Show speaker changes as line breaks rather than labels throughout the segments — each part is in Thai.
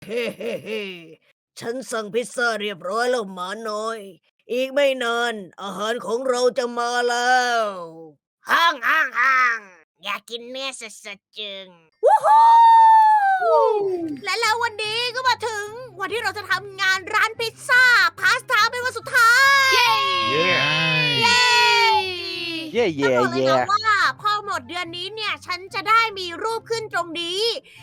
เฮ้เฮ้เฮ้ฉันสั่งพิซซ่าเรียบร้อยแล้วหมาน้อย อีกไม่นานอาหารของเราจะมาแล้วห้างอยากกินเนื้อสดๆจึงวู้ฮู้และแล้ววันนี้ก็มาถึงวันที่เราจะทำงานร้านพิซซ่าพาสต้าเป็นวันสุดท้าย
เย้
เย้
เย่เย่
ต้องบอกเลย
เย่
นะว่าพอหมดเดือนนี้เนี่ยฉันจะได้มีรูปขึ้นตรงนี้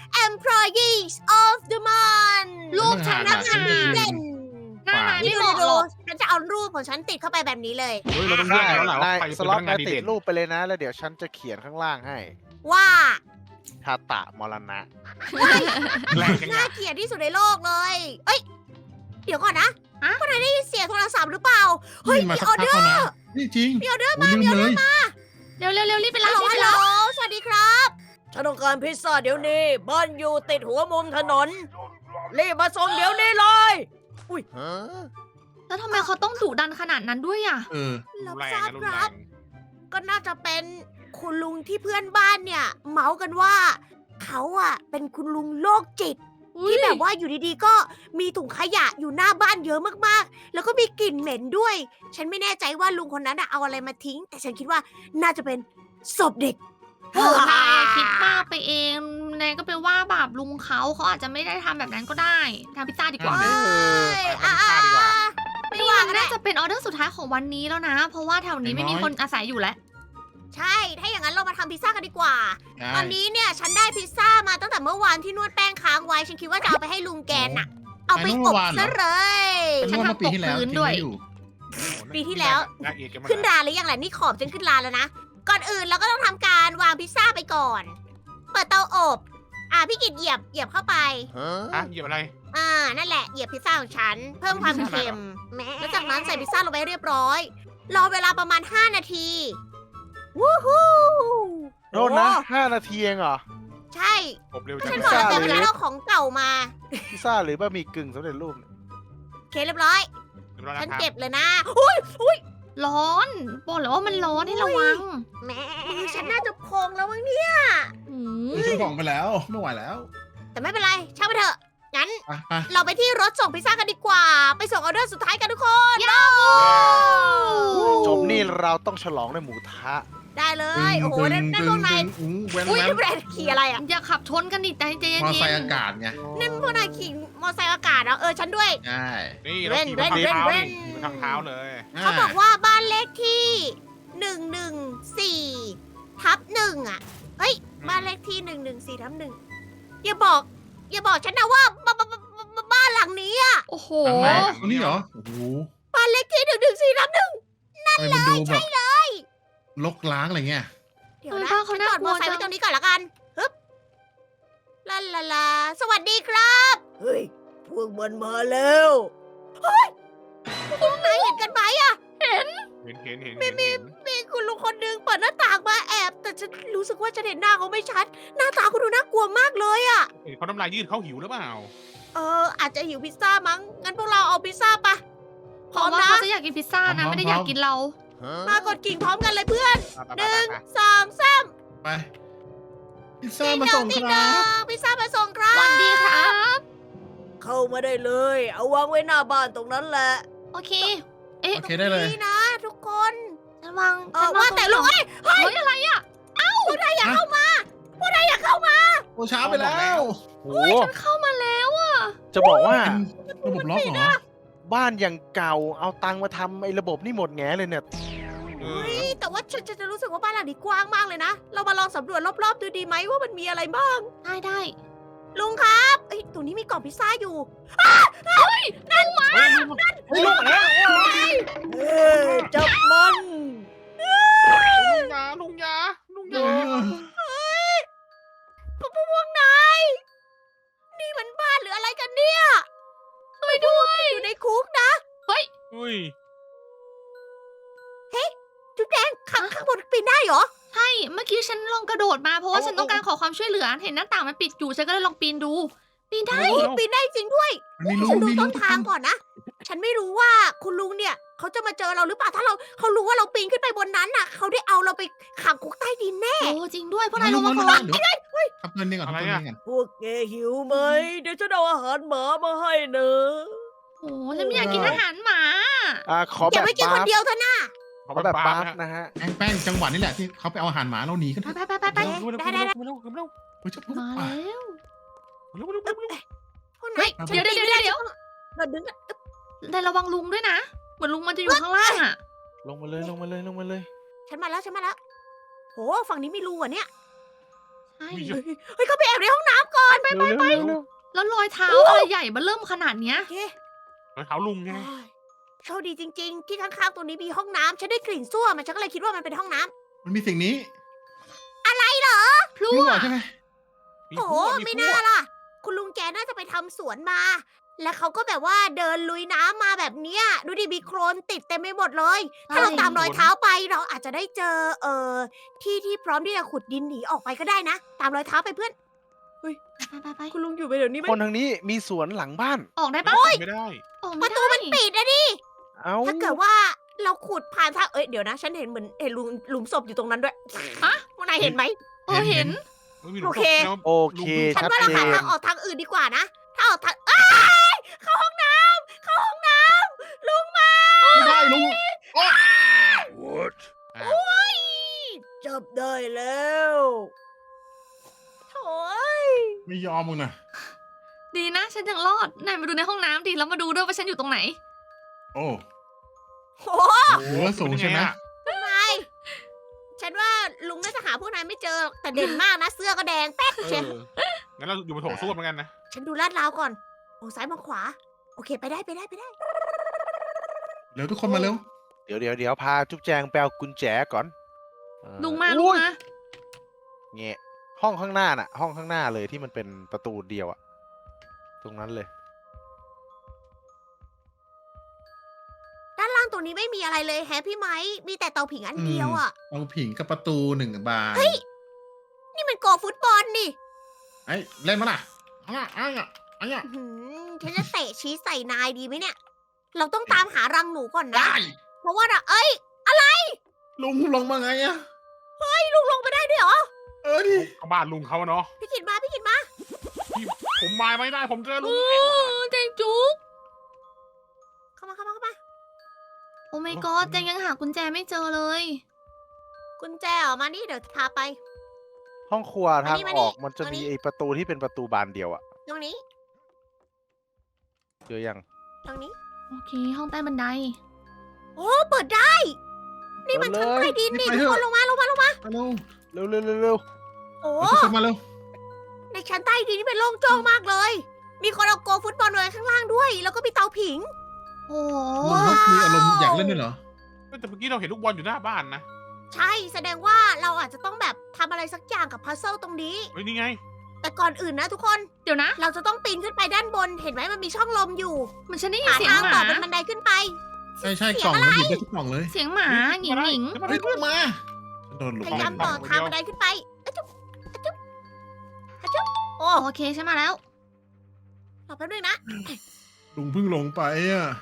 Employees of the Month
รูปฉัน
นั
นะ
กงานดีเด่น
หน้านาย
นี่
ไม่
ดู
เหมาะหรอก
ฉันจะเอารูปของฉันติดเข้าไปแบบนี้เลย
เฮ้ยเราต้องแย
ได้
กแล้วแหละว่า
นาย
ใคร
ส
เป็น
ล็อต
พนักงาน
นาย
ดี
ติด
เด่น
รูปไปเลยนะ แล้วเดี๋ยวฉันจะเขียนข้างล่างให้
ว่า
ทาตะมรณะ
แรงจัง
น่า
อะ
เกลียดที่สุดในโลกเลย เอ้ย เดี๋ยวก่อนนะ
ฮะ
พวกนายได้ยินเสียงโทรศัพท์หรือเปล่า เฮ้ย
มา
มี
สัก
ออ
พัก
เดอ
แล้ว
ร์
นะนี่จริง
มีออเดอร์
โอ้
มา
ลืม
มีออ
เล
เดอร์
ย
มา
เร็วรีบไป
ฮั
รั
ล
บ
โหล
รีบ
ฮั
ไป
ลโหล
รับ
สวัสดีครับ ฉันต้องการพิซซ่าเดี๋ยวนี้ บ้านอยู่ติดหัวมุมถนน รีบมาส่งเดี๋ยวนี้เลย
ฮะ
แล้วทำไมเขาต้องดุดันขนาดนั้นด้วยอ่ะ
เออ
รับ
แรง
ทราบ
นะรุน
ค
แร
รับ
ง
ก็น่าจะเป็นคุณลุงที่เพื่อนบ้านเนี่ย เมาส์กันว่า เขาอะเป็นคุณลุงโรคจิต ที่แบบว่าอยู่ดีๆ ก็มีถุงขยะอยู่หน้าบ้านเยอะมากๆ แล้วก็มีกลิ่นเหม็นด้วย ฉันไม่แน่ใจว่าลุงคนนั้นอะเอาอะไรมาทิ้ง แต่ฉันคิดว่าน่าจะเป็นศพเด็ก
โอ้นายอะคิดมากไปเองนายก็ไปว่าบาปลุงเขาอาจจะไม่ได้ทำแบบนั้นก็ได้ทำพิซซ่าดีกว่า
เอ้ย
ไปทำพิซซ่าดีกว่า
ไม่
นี่
ว่า
มัน
ก็ได้
น่าจะเป็นออเดอร์สุดท้ายของวันนี้แล้วนะ เพราะว่าแถวนี้ไม่มีคนอาศัยอยู่แล้ว
ใช่ ถ้าอย่างนั้นเรามาทำพิซซ่ากันดีกว่า
ได้
ตอนนี้เนี่ยฉันได้พิซซ่ามาตั้งแต่เมื่อวานที่นวดแป้งค้างไว้ ฉันคิดว่าจะเอาไปให้ลุงแกน่ะ เอาไปอบซะเลย
เป็นว่าเมื่อปีที่แล้ว
ฉันทำตกพื้น
ทิ้ง
ด้วย
ไว้อยู่
ปีที่แล้ว
น่าเอกกันมา
ขึ้นราหรือยังแหละนี่ขอบจนขึ้นราแล้วนะ ก่อนอื่นเราก็ต้องทำการวางพิซซ่าไปก่อน เปิดเตาอบ พี่กิตเหยียบเข้าไป
ฮะ
อ่ะหยิบอะไร
นั่นแหละเหยียบพิซซ่าของฉัน เพิ่มความเค็ม แล้วจากนั้นใส่พิซซ่าลงไปเรียบร้อย รอเวลาประมาณ 5 นาที วู้ฮู้
โทษนะ5 นาทีเองเหรอ
ใช่
อบเร็ว
ก็
จั
ฉั
ง
นบอกแล้ว
พิ
แต่
ซซ่า
เวลาเราของเก่ามา
พิซซ่าหรือบะหมี่กึ่งสำเร็จรูปเนี่ย
โอเคเรียบร้อย
เรียบร้อย
ฉัน
แล้วครับ
เก็บเลยนะอุ้ย
ร้อนบอกเลยว่ามันร้อนให้ระวัง
แม่มือฉันน่าจะพองแล้วมั้งเนี่ย
อื
เออฉันบอกไปแล้วไม่ไหวแล้ว
แต่ไม่เป็นไรช่างมันเถอะ งั้น
ไปไป
เราไปที่รถส่งพิซซ่ากันดีกว่า ไปส่งออเดอร์สุดท้ายกันทุกคน
จบนี่เราต้องฉลองด้วยหมูทะ
ได้เลย โอ้โหนั่นพวกนาย
เว้น
อุ้ย
แว้น
นี่พวกนายขี่อะไรอ่ะ
อย่าขับชนกันดิใจเย็น
มอไซค์
ๆ
อากาศไง
นั่นพวกนายขี่มอเตอร์ไซค์อากาศเหรอฉันด้วย
ใช่
นี่เราขี่ไปทาง
เว้น
เท้า
เว้
นี่
น
ขี่ไปทางเท้าเลย
เขาบอกว่าบ้านเลขที่114/1อ่ะ เฮ้ย บ้านเลขที่114/1อย่าบอกฉันนะว่าบ้านหลังนี้อ่ะ
โอ้โห
ทางไหนตรงนี้เหรอโอ้โห
บ้านเลขที่114/1
ทำไมมันดูแบบลกล้างอะไรเงี้ย
เดี๋ยวนะ
บ้านเขา
ฉันจอดม
น่ากลั
อ
ว
เตอร์ไซค์
จั
ไว้
ง
ตรงนี้ก่อนละกันฮึบลาสวัสดีครับ เฮ้ย พวกมันมาแล้ว เฮ้ย พวกนายเห็นกันไหมอะ
เห็นเห็น
มีคุณลุงคนหนึงเปิดหน้าต่างมาแอบ แต่ฉันรู้สึกว่าฉันเห็นหน้าเขาไม่ชัด หน้าตาเขาดูน่ากลัวมากเลยอะ
เห็นเขาน้ำลายยืดเขาหิวหรือเปล่า
อาจจะหิวพิซซ่ามั้ง งั้นพวกเราเอาพิซซ่าปะพ
เพ
ร้อ
ราะ
ม
ว่า
นะ
เขาจะอยากกินพิซซ่านะ ไม่ได้อยากกินเรา
ฮะ
มากดกิ่งพร้อมกันเลยเพื่อน
ไป
1 2 3
ไปพิซซ่ามาส่ง
ติ๊
ค
ด
รั
อบ งพิซซ่ามาส่งครับ
วันดีครับ
เข้ามาได้เลย เอาวางไว้หน้าบ้านตรงนั้นแหละ
โอเค เอ๊ะ
โอเคได้เลย
นี่นะทุกคน
ฉันวาง
ว่าแต่ลุงเอ้ย
เฮ้ยอะไรอ่ะ
พวกนายอยากเข้ามาพวกนายอยากเข้ามา
โอ้ช้าไปแล้ว
โอ้โห
ฉันเข้ามาแล้วอ่ะ
จะบอกว่า
เป็นระบบล็อกเหรอ
บ้านอย่างเก่าเอาตังค์มาทำไอ้ระบบนี่หมดแงเลยเนี่ย
เอ
เฮ้
อย
แต่ว่าฉันจะรู้สึกว่าบ้านหลังนี้กว้างมากเลยนะ เรามาลองสำรวจรอบๆดูดีไหมว่ามันมีอะไรบ้าง
ได้
ลุงครับเอ้ยตรงนี้มีกล่องพิซซ่าอยู่
เฮ้ยลุงมาแล้ว
เฮ้ยจับมัน
ลุงยา
เออ
พวกนายนี่มันบ้านหรืออะไรกันเนี่ยช่วยด้วยอยู่ในคุกนะ
อุ้ย
จุดแดงข้างบนปีนได้เหรอ
ใช่ เมื่อกี้ฉันลองกระโดดมาเพราะว่าฉันต้องการขอความช่วยเหลือ เห็นหน้าต่างมันปิดอยู่ ฉันก็เลยลองปีนดู ปีนได้
ปีนได้จริงด้วย
มันมีรู
ฉันดู
มีรู
ต้นทางก่อนนะฉันไม่รู้ว่าคุณลุงเนี่ยเขาจะมาเจอเราหรือเปล่าถ้าเขารู้ว่าเราปีนขึ้นไปบนนั้นน่ะเขาได้เอาเราไปขังคุกใต้ดินแน่
โอ้จริงด้วยพวกนายลงมาก่อน
เดี๋ยวทับเงินนี่ก่อนทับเงินนี่ก่อน
พวกแกหิวไหมเดี๋ยวฉันเอาอาหารหมามาให้เนอะ
โอ้ฉันไม่อยากกินอาหารหมา
ขอ
อ
แบ
ย่า
บ
ไปกินคนเดียวเถอะนะ
ขอแบบบาร์ฟ
นะ
นะฮะ
แป้งจังหวะนี่แหละที่เขาไปเอาอาหารหมาเราหนีกัน
ไปไปไปไป
เร็วเร็วเร็วเร็วเร็วเร็ว
เฮ้ยจะ
มาแล้ว
เร็วเร็วเร็วเร็ว
พวก
เฮ้
นาย ย
เดี๋ยวเดี๋ยวเดี๋ยว
เราดึงกัน
แต่ระวังลุงด้วยนะ เหมือนลุงมันจะอยู่ข้างล่างอ่ะ
ลงมาเลยลงมาเลยลงมาเลย
ฉันมาแล้วโหฝั่งนี้มีรูอ่ะเนี่ย
ใช่
เฮ้ยเขาไปแอบในห้องน้ำก่อน
ไปเร็ว
แล้วรอยเท้าอะไรใหญ่มาเริ่มขนาดเนี้ย
โอเค
รอยเท้าลุงไง
โชคดีจริง ๆ ที่ข้างๆตรงนี้มีห้องน้ำฉันได้กลิ่นส้วมฉันก็เลยคิดว่ามันเป็นห้องน้ำ
มันมีสิ่งนี้
พลั่
รู้
ว
ใช่ไหม
มี
โอ้โห
พวก
ไม่
พว
น่าก ล่ะ คุณลุงแกน่าจะไปทำสวนมา แล้วเขาก็แบบว่าเดินลุยน้ำมาแบบเนี้ยดูดิมีโคลนติดเต็มไปหมดเลย ถ้าเราตามรอยเท้าไปเราอาจจะได้เจอที่พร้อมที่จะขุดดินหนีออกไปก็ได้นะ ตามรอยเท้าไปเพื่อน
ไป
คุณลุงอยู่ไปเดี๋ยวนี้ไหม
คนทางนี้มีสวนหลังบ้าน
ออกได้ปะ
ไม่ได้
ออก
ป
ไม่
ระตู
ได้
มันปิดนะดิ
เอ้า
ถ้าเกิดว่าเราขุดผ่านทางเดี๋ยวนะ ฉันเห็นเหมือนเห็นหลุมศพอยู่ตรงนั้นด้วยพวกนายเห็นไหม
เห็น
โอเค
โอเค
ฉัน
ชัด
ว่าเรา
เจ
หาน ทางออกทางอื่นดีกว่านะ ถ้าออกทางเข้าห้องน้ำลุงมา
ไม่ได้ลุง
จับได้แล้วโถ่ย
ไม่ยอมมึงนะ
ดีนะ ฉันยังรอดนายมาดูในห้องน้ำดิแล้วมาดูด้วยว่าฉันอยู่ตรงไหน
โอ้
โห
โหแล้วสูงใช่ไหม
นายฉันว่าลุงน่าจะหาพวกนายไม่เจอหรอกแต่เด่นมากนะ เสื้อก็แดงแป๊ดเชียว
งั้นเราอยู่บนโถส้วมเหมือนกันนะ
ฉันดูลาดราวก่อนมองซ้ายมองขวา โอเคไปได้
เร็วทุกคนมาเร็ว
เดี๋ยวพาจุ๊บแจงไปเอากุญแจก่อน
ลุงมา
อุ้ย
มา
เงี้ยห้องข้างหน้าน่ะ ห้องข้างหน้าเลยที่มันเป็นประตูเดียวอะตรงนั้นเลย
ด้านล่างตรงนี้ไม่มีอะไรเลยแฮะพี่ไม้มีแต่เตาผิงอันเดียวอ่ะ
เอาผิงกับประตู1 บาน
นี่มันโกฟุตบอลนี่
ไอ้เล่นมาล่ะเอาล่ะเอาล่ะเอาล่ะ
อื้อหือฉันจะเตะชี้ใส่นายดีไหมเนี่ย เราต้องตามหารังหนูก่อนนะ
ได้
เพราะว่าเอ้ย
ลุงลงมาไงอะ
ลุงลงไปได้ด้วยเหรอ
ดิ
ก็บ้านลุงเขาเนาะ
พี่ขิดมา
ผมมาไม่ได้ผมเจอลุง
เจงจุ๊ก
เข้ามา
โอ้ my god เจงยังหากุญแจไม่เจอเลย
กุญแจออกมานี่เดี๋ยวพาไป
ห้องครัวทาง
มา
อ
นี่
อกมันจะ
มานี่
มีไอประตูที่เป็นประตูบานเดียวอะ
ตรงนี้
เจอยัง
ตรงนี้
โอเค ห้องใต้บันได
โอ้เปิดได้ นี่มันชั้นใต้ดินนี่ทุกคนลงมา
มาเร็ว
เร็ว
โอ้
ทุกคนมาเร็ว
ในชั้นใต้ดินนี่เป็นโล่งโจ้งมากเลย มีคนเอาโกฟุตบอลไว้ข้างล่างด้วย แล้วก็มีเตาผิง
โอ้
ลุงเขามีอารมณ์อยากเล่นด้วยเหรอ
แต่เมื่อกี้เราเห็นลูกบอลอยู่หน้าบ้านนะ
ใช่แสดงว่าเราอาจจะต้องแบบทำอะไรสักอย่างกับพัซเซิลตรงนี้
เฮ้ยนี่ไง
แต่ก่อนอื่นนะทุกคน
เดี๋ยวนะ
เราจะต้องปีนขึ้นไปด้านบน เห็นไหมมันมีช่องลมอยู่
มันฉันได้ยิน
หา
เสียง
ทาง
ห
ต่อ
มา
เป็นบันไดขึ้นไป
ใช่กล่องมันหยิบได้ทุกกล่องเลย
เสียงหมาหญิงหญิง
เฮ้ยลุงมาฉันโดนลุง
พยายามต่อทางบันไดขึ้นไปอะจุ๊บอะจุ๊บอะจุ๊บโอ้
โอเคฉันมาแล้ว
รอแป๊บนึงนะ
ลุงเพิ่งลงไปอ่ะ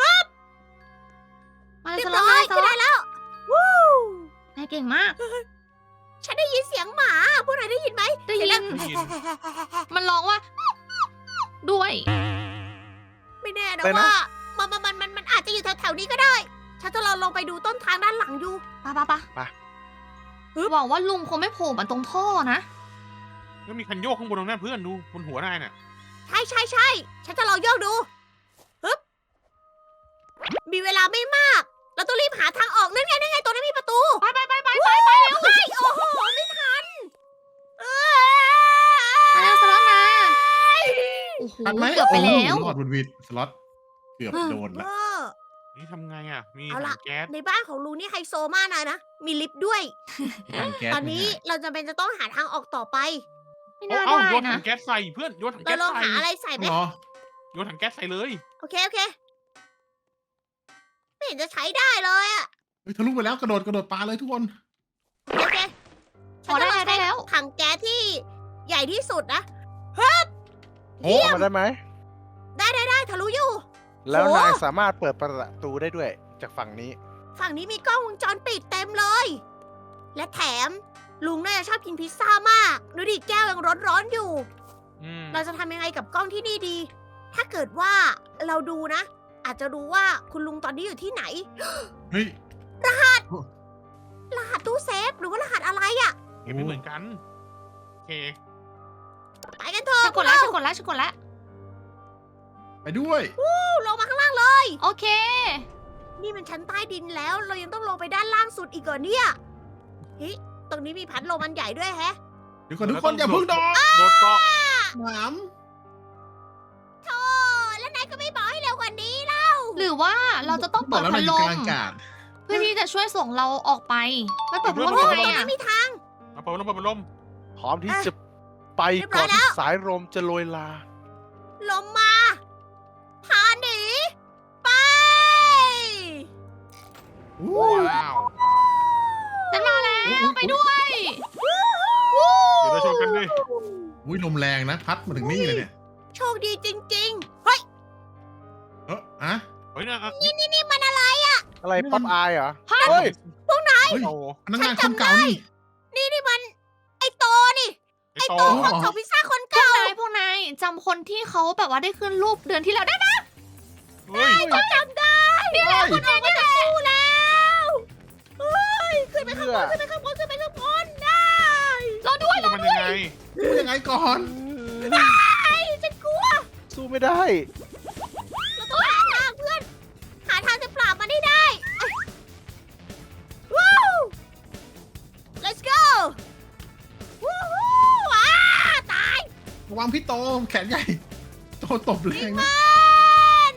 มาเลย
เรีย
ส
บ
ล็อ
ร้
ต
อยขึ้นได้แล้ว วู้
นายเก่งมาก
ฉันได้ยินเสียงหมา พวกนายได้ยินไหม
ได้ยิน
เสีง
มันร้องว่า ด้วย
ไม่แน่นะว่ามันอาจจะอยู่แถวๆนี้ก็ได้ ฉันจะลองไปดูต้นทางด้านหลังอยู่
ปะหวังว่าลุงคงไม่โผล่มาตรงท่อนะ
แล้วมีคันโยกข้างบนตรงนั้นเพื่อนดูบนหัวนายน่ะ
ใช่ฉันจะลองโยกดูฮึบมีเวลาไม่มาก เราต้องรีบหาทางออกนั่นไงตรงนั้นมีประตู
ไปเร็ว
โอ้โหไม่ทัน
มาแล้วสล็อตมาโอ้โห
ทันไหม
เกือบไปแล้ว
โอ้โหรอดบนวิดสล็อตเกือบโดน
เอ
ละ
อ
นี่ทำไงอ่ะ มี
เอาล่ะ
ถังแก๊ส
ในบ้านของลุงนี่ไฮโซมากนะ มีลิฟต์ด้วย
ถังแก๊ส
ตอนนี้เราจำเป็นจะต้องหาทางออกต่อไป
ไม่
เอา
น่า
เอา
ได้
โยนถั
นะ
งแก๊สใส่เพื่อนโยนถัง
เรา
แก๊ส
ลอง
ใส่
หาอะไรใส่ไหม
เหรอ
โยนถังแก๊สใส่เลย
โอเคไม่เห็นจะใช้ได้เลยอะ
เฮ้ยทะลุไปแล้วกระโดดปลาเลยทุกคน
โอเค
พอได้
ฉันจะลง
ได้
ใช้
แล้ว
ถังแก๊สที่ใหญ่ที่สุดนะ
โอ้มาได้ไหม
ได้ทะลุอยู่
แล้ว
โห
นายสามารถเปิดประตูได้ด้วยจากฝั่งนี้
ฝั่งนี้มีกล้องวงจรปิดเต็มเลย และแถมลุงน่าจะชอบกินพิซซ่ามากดูดิแก้วยังร้อนๆอยู่
อืม
เราจะทำยังไงกับกล้องที่นี่ดี ถ้าเกิดว่าเราดูนะ อาจจะรู้ว่าคุณลุงตอนนี้อยู่ที่ไหน
เฮ้ย
รหัสตู้เซฟหรือว่ารหัสอะไรอะ
เห็นไม่เหมือนกันโอเค
ไปกันเถอะ
ฉันกดแล้วฉันกดแล้วฉันกดแล้ว
ไปด้วย
ลงมาข้างล่างเลย
โอเค
นี่มันชั้นใต้ดินแล้ว เรายังต้องลงไปด้านล่างสุดอีกเหรอเนี่ยเฮ้ยตรงนี้มีพัดลมอันใหญ่ด้วยแฮะ
เดี๋ยวก่อนทุกคนอย่าเพิ่งโดด
โดดเกาะ
หนาม
โธ่แล้วนายก็ไม่บอกให้เร็วกว่านี้เล่า
หรือว่าเราจะต้อง
บ
เปิ
อก
ด
แล้ว
พั
นาย
ด
อ
ล
ยู่ก
ม
ลางอากาศ
เพื่อที่จะช่วยส่งเราออกไปไม่เปิดพัดลม
โอ้
ทำไม
ย
อ่ะ
ไม่มีทาง
เอาเปิดลม
พร้อมที่จะไป
เรียบร้
ก่
อ
อย น
แล้ว
ที่สายลมจะโรยลา
ลมมาพาหนีไป
อู้
ว้าว
ฉันมาแล้วไปด้วย
เดี๋ยวเราชนกันดิ
อุ้ยลมแรงนะ พัดมาถึงนี่เลยเนี่ย
โชคดีจริงๆ เฮ้ย
อะ
เฮ้ยนะ
นี่มันอะไร
อะไรป๊อปอายเหรอ
ฮะ
เฮ้ย
เฮ้ย
โอ้โห
พนักงานคนเก่านี่
นี่มัน ไอโตนี่
ไอโต
โตคนส่งพิซซ่าคน
พวก
เก่าน
ายพวกนายจำคนที่เขาแบบว่าได้ขึ้นรูปเดือนที่แล้วได้ไหม
เฮ้ย
ฉันจำได้
นี่แหละคนนี้นี่แหละ
สู้แล้วเฮ้ยขึ้นไปข้างบน
เพื่
ขึ้
อ
นไปข้างบนขึ้นไปข้างบนได้
รอด้วย
มันยังไง
พูดยังไงก่อน
ไอ้ฉันกลัว
สู้ไม่ได้
เราต้องหาทางเพื่อน หาทางจะปราบมันให้ได้วู้ let's go วู้ฮู้ตาย
ระวังพี่โตแขนใหญ่ โตตบแรงนะ
มัน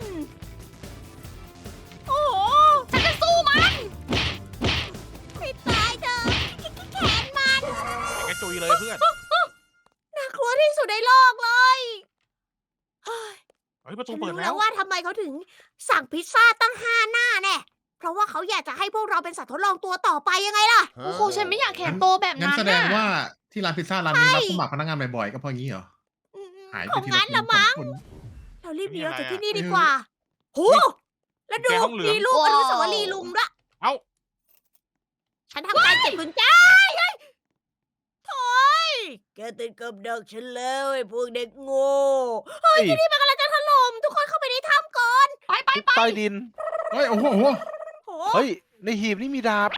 โอ้โห
ฉันจะสู้มัน
ให้ตายเถอะแขนมัน
แกจุยเลยเพื่อน
น่ากลัวที่สุดในโลกเลยเฮ้ย
เฮ้ยประตู
ฉัน
เปิด
รู้
แล้
แล้ว วว่าทำไมเขาถึงสั่งพิซซ่าตั้ง5 หน้าแน่ เพราะว่าเขาอยากจะให้พวกเราเป็นสัตว์ทดลองตัวต่อไปยังไงล่ะ
โอ้โหฉันไม่อยากแขนโตแบบ
งั้น
นั้น
แสดง
น่ะ
ว่าที่ร้านพิซซ่าร้านนี้
ใช่
รับสมัครพนักงานบ่อยๆก็เพราะงี้เหรอ หาย
ข
ไป
อง
ที
งั้น
ละ
ละมั้ง
คน
เรารีบหนีออกจาก
นี่
ที่
อะไรอะ
นี่ดีกว่าโหแล้วดู
แกห้องเหลือง
มีลูกอนุสาวรีย์ลุงด้วย
เอ้า
ฉันทำการเก็บกุญแจเฮ้ยโถ่ยแกติดกับดักฉันแล้วไอ้พวกเด็กโง่
เฮ้ย
ที่นี่มันกำลังจะถล่มทุกคนเข้าไปในถ้ำก่อน
ไป
ใต้ดิน
เฮ้ย โอ้โห
โห
เฮ้ย ในหีบนี่มีดาบ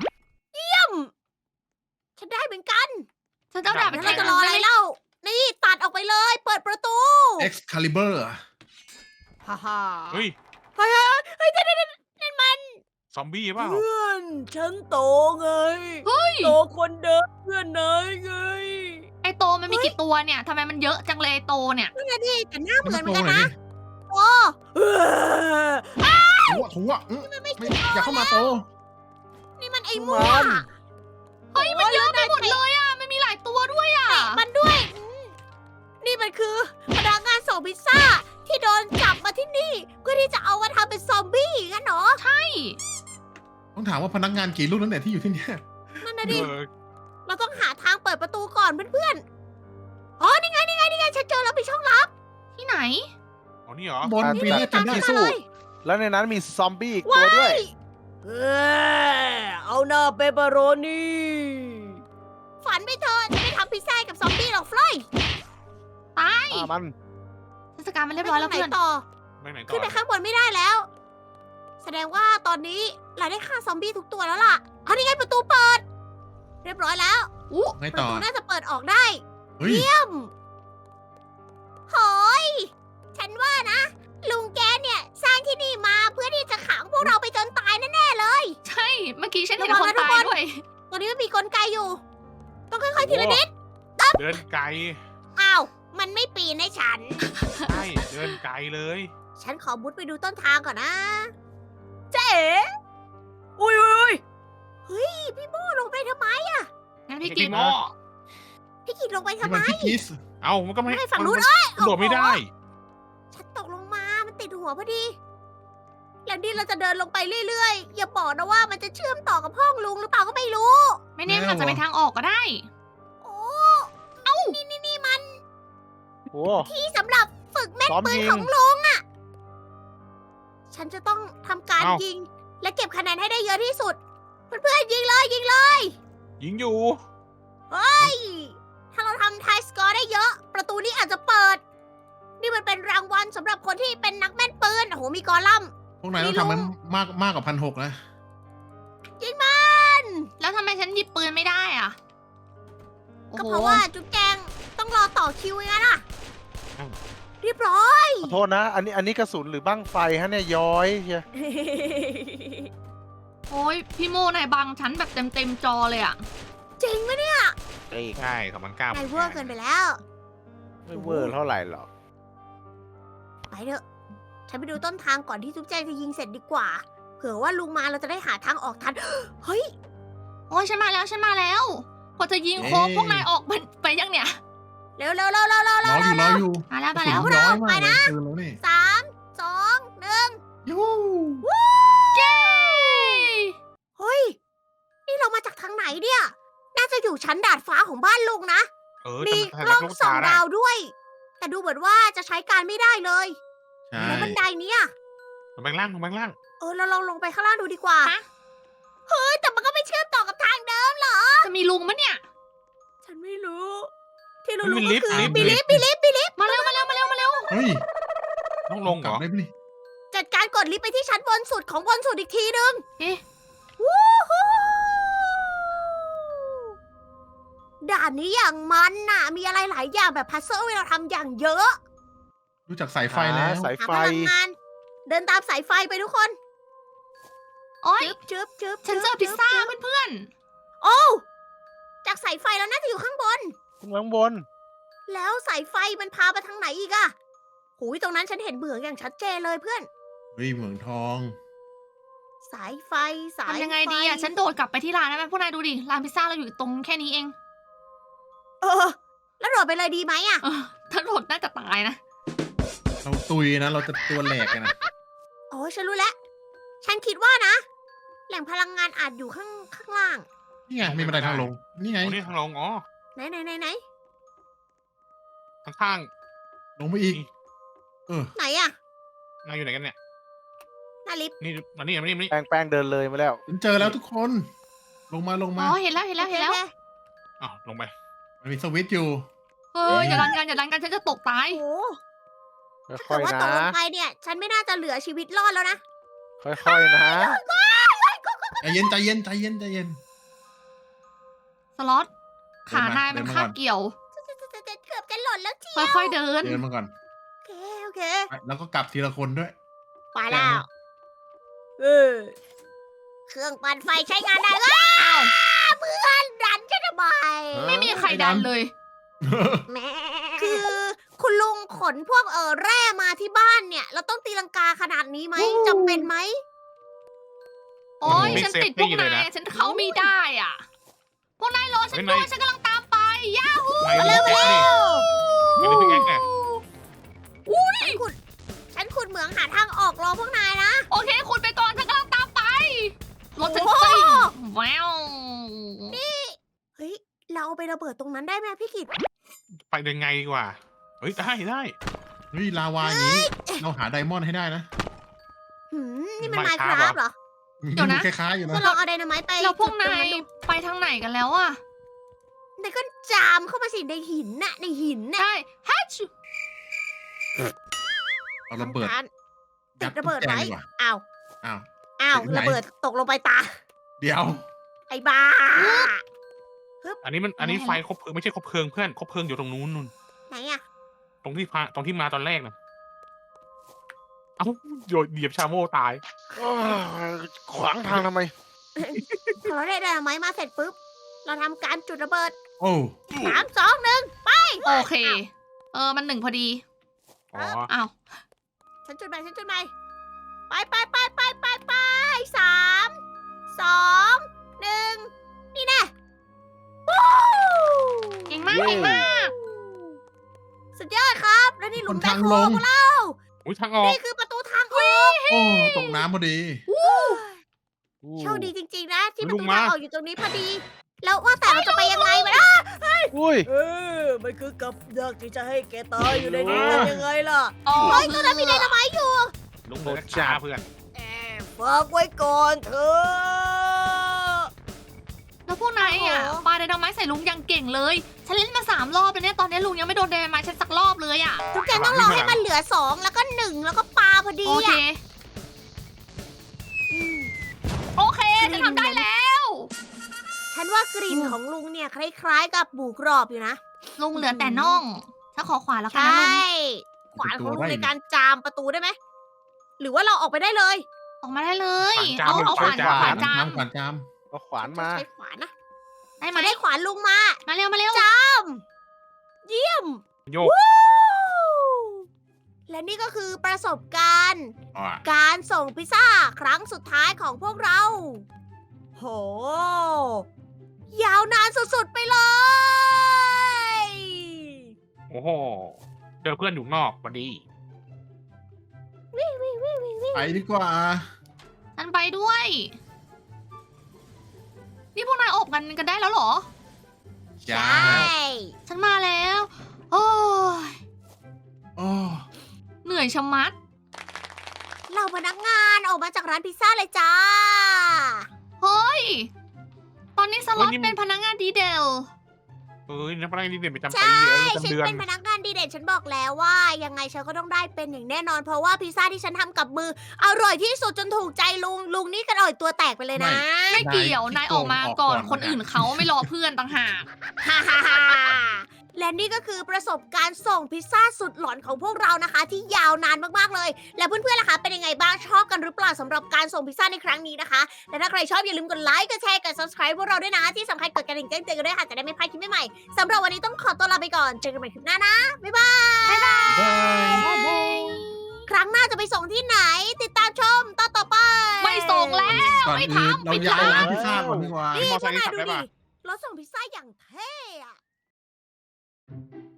ฉันได้เหมือนกัน
ฉันจะแบบไป
แล้ว
แท
เรา
ง
จะรออะไรเล่า นี่ตัดออกไปเลย เปิดประตู
Excalibur
ฮ่าฮ่า
เฮ้ย
เฮ้ยเฮ้ยนั่นมัน
ซอมบี้เปล่า
เพื่อนฉันโตไง
เฮ้ย
โตคนเดิมเพื่อนนายไง
ไอโตมันมีกี่ตัวเนี่ยทำไมมันเยอะจังเลยไอโตเนี่ย
นั่นไงดิแต่หน้าเหมือนเหมือน
โต
กัน
หน่อย
นะ
ดิ
โอ้เออ
ถูอ่ะไม่อย่าเข้ามาโต
นี่มันไอ้มั่ว
มัน
เฮ้ยมันเยอะไปหมดเลยอ่ะมันมีหลายตัวด้วยอ่ะ
เตะมันด้วยนี่มันคือพนักงานส่งพิซซ่าที่โดนจับมาที่นี่เพื่อที่จะเอามาทำเป็นซอมบี้งั้นเหรอ
ใช่
ต้องถามว่าพนักงานกี่รุ่นแล้วเนี่ยที่อยู่ที่เนี่ย
นั่นนะดิ
เออ
เราต้องหาทางเปิดประตูก่อนเพื่อนๆอ๋อนี่ไงฉันเจอแล้วมีช่องลับ
ที่ไหน
อ๋อนี่เหรอ
บนปีนี้จำได้
ที่สู้ แล้วในนั้นมีซอมบี้อีกตัวด้วย
เออเอาหน้าเปปเปอโรนีฝันไปเถอะจะไม่ทำพิซซ่าให้กับซอมบี้หรอกฟลอย
ตาย
มัน
เทศกาลมันเรียบร้อยแล้ว
ไป
เพื่อน
ทางไหต่อ
ไปไหนต่
ขึ้
อน
ไปข้างบนไม่ได้แล้ว แสดงว่าตอนนี้เราได้ฆ่าซอมบี้ทุกตัวแล้วล่ะเอานี่ไงประตูเปิด เรียบร้อยแล้ว
อู้
ไง
ประ
ต่อ
ตูน่าจะเปิดออกได้
เฮ้ย
เยี่ยมโหยฉันว่านะ ลุงแกเนี่ยสร้างที่นี่มาเพื่อที่จะขังพวกเราไปจนตายแน่ๆเลย
ใช่เมื่อกี้ฉันเห็น
ระวั
คน
งนะทุก
ตาย
คน
ด้วย
ตอนนี้มันมีกลไกอยู่ ต้องค่อยๆทีละนิด
เดินไกล
อ้าว มันไม่ปีนให้ฉัน
ใช่เดินไกลเลย
ฉันขอมุดไปดูต้นทางก่อนนะเจ๊อุ้ยเฮ้ย พี่โมลงไปทำไม
งั้นพี่
ไอ้
กิน
หม้อ
พี่กิดลงไป
นี่
ทำไม
มันพี่คิส
เอ้ามันก็ไม่
ให้ฝั่งนู้น
มันโดดไม่ได้
ฉันตกลงมา มันติดหัวพอดี แล้วนี่เราจะเดินลงไปเรื่อยๆ อย่าบอกนะว่ามันจะเชื่อมต่อกับห้องลุงหรือเปล่าก็ไม่รู้
ไม่แน่มันอาจจะเป็นทางออกก็ได้
โอ้เอ้า นี่มัน
โอ้
ที่สำหรับฝึกแม่น
ซ้อม
ปืน
ยิง
ของลุงอะฉันจะต้องทำการ
เอ้า
ยิง และเก็บคะแนนให้ได้เยอะที่สุด เพื่อนๆยิงเลย
ยิงอยู่
เฮ้ย ถ้าเราทำไทสกอร์ได้เยอะ ประตูนี้อาจจะเปิด นี่มันเป็นรางวัลสำหรับคนที่เป็นนักแม่นปืน โอ้โห มีกอลัมน์
พวกนายต้องทำมันมากกว่า1,600นะ
ยิงมัน
แล้วทำไมฉันหยิบปืนไม่ได้อ่ะโอ้
ก็
โห
เพราะว่าจุ๊บแจงต้องรอต่อคิวอย่างนั้นอ่ะ
อ้าว
เรียบร้อย
ขอโทษนะ อันนี้กระสุนหรือบั้งไฟฮะเนี่ยย้อยเชีย
โอ้ยพี่โมนายบังฉันแบบเต็มจอเลยอ่ะ
จริงไหมเนี่ย
เอ้ย
ใช่2,900
นายเวอร์เกินไปแล้ว
ไม่เวอร์เท่าไหร่หรอก
ไปเถอะ ฉันไปดูต้นทางก่อนที่จุ๊บแจงจะยิงเสร็จดีกว่า เผื่อว่าลุงมาเราจะได้หาทางออกทัน เฮ้ย
โอ้ยฉันมาแล้วพอจะยิงโคบพวกนายออกมันไปยังเนี่ย
เร็วเร็วเร็วเร็วเร็ว
รออยู่
มาแล้ว
กระสุน
มาแล้ว
น้อยมากเลยปืนแล้วนี่
สามสองหนึ่ง
ยู
เย้
เฮ้ย นี่เรามาจากทางไหนเนี่ย น่าจะอยู่ชั้นดาดฟ้าของบ้านลุงนะ มี
แต่
กล้อง
ลูก
ส่อง
ตาได้
ดาวด้วย แต่ดูเหมือนว่าจะใช้การไม่ได้เลย
ใช่
แล้วบันไดเนี้ย
ลงไปล่าง
เราลองลงไปข้างล่างดูดีกว่า
ฮะ
เฮ้ย แต่มันก็ไม่เชื่อมต่อกับทางเดิมเหรอ
จะมีลุงมะเนี่ย
ฉันไม่รู้ ที่รู้
มันมี
ๆ
ลิ
ก็
ฟต์
คือ
ลิฟต์
มีลิฟต์มีลิฟต์มีลิฟต์
มาเร็ว
เฮ้ย
ต้องลงเห
ก
ร
ลับ
อ
ได้ไหมนี่
จัดการกดลิฟต์ไปที่ชั้นบนสุดของบนสุดอีกทีนึง
เอ๊ะ
วู้ฮู้ด่านนี้อย่างมันน่ะ มีอะไรหลายอย่างแบบพัซเซิลให้เราทำอย่างเยอะ
รู้จักสายไฟแล้ว
สาย
หา
ไฟ
พลังงาน เดินตามสายไฟไปทุกคน
โอ้ย
จึ๊บจึ๊บ
ฉันเจอพิซซ่าเพื่อน
โอ้วจากสายไฟแล้วน่าจะอยู่ข้างบน
ข้างบน
แล้วสายไฟมันพาไปทางไหนอีกอะหูยตรงนั้นฉันเห็นเหมืองอย่างชัดเจนเลยเพื่อน
เฮ้ยเหมืองทอง
สายไฟ
ๆ
สาย
ทำยังไงดีอ่ะ ฉันโดดกลับไปที่ร้านได้ไหมพวกนายดูดิ ร้านพิซซ่าเราอยู่ตรงแค่นี้เอง
เออ แล้วโดดไปเลยดีไหมอะ
เออถ้าโดดน่าจะตายนะ
เราตุยนะ เราจะตัวแหลกกันนะ
โอ้ยฉันรู้แล้ว ฉันคิดว่านะ แหล่งพลังงานอาจอยู่ข้างล่าง
นี่ไงมีบันไดทางลง นี่ไง
อ๋อนี่ทางลง อ๋อ
ไหน
ข้าง
ลงไปอีก เออ
ไหนอะ
ๆนายอยู่ไหนกันเนี่ย
หน้าลิฟต์
นี่มานี่
แป้งเดินเลยมาแล้ว
ฉันเจอแล้วทุกคน ลงมา
อ๋อ เห็นแล้ว
โอเค
อ้าวลงไป
มันมีสวิตช์อยู่
เอออย่าดันกันฉันจะตกตาย
โอ้โหถ้า
ค่
เกิ
อ
ด
ย
ว่า
ๆ
ต
นะ
กลงไปเนี่ย ฉันไม่น่าจะเหลือชีวิตรอดแล้วนะ
ค่อยๆนะ
ใจเย็น ใจเย็น ใจเย็น ใจเย็น
สล็อต ขานายมันคาบเกี่ยว
เกือบจะหล่นแล้วจี
ค่อยๆเดิน
เดินมาก่อน
โอเค
แล้วก็กลับทีละคนด้วย
ไปแล้วเครื่องปั่นไฟใช้งานได้แล้ว
อ้าว
เพื่อนดันฉันทำไม
ไม่มีใครดันเลย
แม่คือคุณลุงขนพวกแร่มาที่บ้านเนี่ย เราต้องตีลังกาขนาดนี้ไหมจำเป็นไหม
โอ้ย
ไม่
ฉันติด
เซฟตี้
พวก
เลย
นา
นะ
ยฉันเข้าไม่ได้อ่ะ พวกนายรอฉันด้วยฉันกำลังตามไปย่าฮู
นายมีแอคนี่ไม่ได้พิกแอคไง
ฉันขุดเหมืองหาทางออกรอพวกนายนะ
โอเค คุณไปก่อนฉันกำลังตามไปรถฉัน
โอ้โห
ซิ่งแวว
เฮ้ย เราเอาไประเบิดตรงนั้นได้ไหมพี่กิต
ไปเดินไงดีกว่า เฮ้ย ได้
เฮ้ยลาวาอย่างนี้ เราหาไดมอนด์ให้ได้นะ
นี่มันไม
Minecraft
คราฟเหรอ
คล้ายๆอยู่
ก็
นะ
ลองเอาไดนาไมต์ไป
แล้วพวก
จุดตร
นาง ย
ดู
ไปทางไหนกันแล้วอ่ะ
นายก็จามเข้ามาสิในหินน่ะ ในหินน่ะ
ใช่ฮัช
เอาระเบิด
ติดระเบิดไว้
ยัดตุ๊กแกดีกว่า
อ้าว
อ้าว
อ้าว
ติดไหน
ระเบิดตกลงไปตา
เดี๋ยว
ไอ้บ้า
อันนี้ไฟคบเพลิงไม่ใช่คบเพลิงเพื่อนคบเพลิงอยู่ตรงนู้นนู่น
ไหนอะ
ตรงที่มาตอนแรกนะเอ้าโยนเหยียบชาโม่ตาย
ขวางทางทำไม
พอเราได้ไดนาไมต์มาเสร็จปุ๊บ เราทำการจุดระเบิด
โอ้
3 2 1
โอเค มัน1พอดี
อ๋อ
อ้าว
ฉันจุดใหม่ไป3 2 1 นี่แน่วู้
เก่งมาก
เย้
เก่งมาก
สุดยอดครับ แล้วนี่หลุมแบคโฮ
คนทางลง
ของเรา
อุ้ยทางออก
นี่คือประตูทางออก
โอ้ตกน้ำพอดี
โชคดีจริงๆนะ ที่ประ
ลุ
ตู
งมา
ทางออกอยู่ตรงนี้พอดี แล้วว่าแต่เราจะไปยังไงมา
อุ้ย
มันคือกับดักที่จะให้แกตายอยู่ในนี้กันยังไงล่ะ
อ๋อ
เฮ้ยตอนนั้นมีไดนาไมต์อยู่
ลง
โห
เพื่อ
ด
น
จั
ช้า
ด
เพื่อน
ฝากไว้ก่อนเถอะ
แล้วพวกนายอ่ะ
โอ้โห
ปาไดนาไมต์ใส่ลุงยังเก่งเลย ฉันเล่นมา3 รอบแล้วเนี่ย ตอนนี้ลุงยังไม่โดนไดนาไมต์ฉันสักรอบเลยอ่ะ
ทุกแกต้องรอให้มันเหลือ2แล้วก็1แล้วก็ปาพอดี
โอเค
อ่ะม
โอเคจะทำได้แล้ว
ฉันว่ากลิ่นของลุงเนี่ยคล้ายๆกับหมูกรอบอยู่นะ
ลุงเหลือแต่น่องฉันขอขวานแล้ว
ใช
กันนะลุง่
ขวานของลุงในการจามประตูได้ไหม หรือว่าเราออกไปได้เลย
ออกมาได้เลย
ขวานจาม
เอาขวาน
ขวาน
ขวานจาม
ขวานจาม
เอาขวานมา
ใช้ขวานนะ
ได้ไหม
มาได้ขวานลุงมา
มาเร็วมาเร็ว
จาม เยี่ยม
โยก
วู้และนี่ก็คือประสบการณ์
อ่ะ
การส่งพิซซ่าครั้งสุดท้ายของพวกเรา โห ยาวนานสุดๆไปเลย
โอ้โหเจอเพื่อนอยู่นอกพอดี
ไปดีกว่า
ฉันไปด้วย นี่พวกนายอบกันได้แล้วเหรอ
ใช
จ้า
่
ฉันมาแล้ว โอ้ย
โอ้
เหนื่อยชะมัด
เราพนักงานออกมาจากร้านพิซซ่าเลยจ้า
เฮ้ย ตอนนี้สล็อต
เฮ้ยนี่มัน
เป็นพนักงานดีเดล
เอ้ยนักพนักงานดีเด่นประจำ
ใช่
ปีประ
ฉัน
จำเดือน
เป็นพนักงานดีเด่นฉันบอกแล้วว่า ยังไงฉันก็ต้องได้เป็นอย่างแน่นอน เพราะว่าพิซซ่าที่ฉันทำกับมือ อร่อยที่สุดจนถูกใจลุง ลุงนี่กระโดดตัวแตกไปเลยนะ
ไม่เกี่ยว นายออกมาก่อนคนอื่นเขาไม่รอเพื่อนต่างหาก
ฮ่าฮ่าฮ่าและนี่ก็คือประสบการณ์ส่งพิซซ่าสุดหลอนของพวกเรานะคะ ที่ยาวนานมากๆเลย และเพื่อนๆล่ะคะเป็นยังไงบ้างชอบกันหรือเปล่าสำหรับการส่งพิซซ่าในครั้งนี้นะคะ และถ้าใครชอบอย่าลืมกดไลค์กดแชร์กด subscribe พวกเราด้วยนะ ที่สำคัญกดกระดิ่งแจ้งเตือนกันด้วยค่ะจะได้ไม่พลาดคลิปใหม่ๆสำหรับวันนี้ต้องขอตัวลาไปก่อนเจอกันใหม่คลิปหน้านะบ๊ายบาย
บาย
ครั้งหน้าจะไปส่งที่ไหน ติดตามชมตอนต่อไป
ไม่ส่งแล้ว
ก่อน
ไม่
อื่น
ทำ
เรา
ไม่
ย้าย
ทำ
ร้านพิซซ่าก่อนดีกว่า
นี่
มอ
พ
ไซ
วก
ค์
นาย
ขับ
ดู
ได้
ดิ
ปะ
รถส่งพิซซ่าอย่างเท่อะ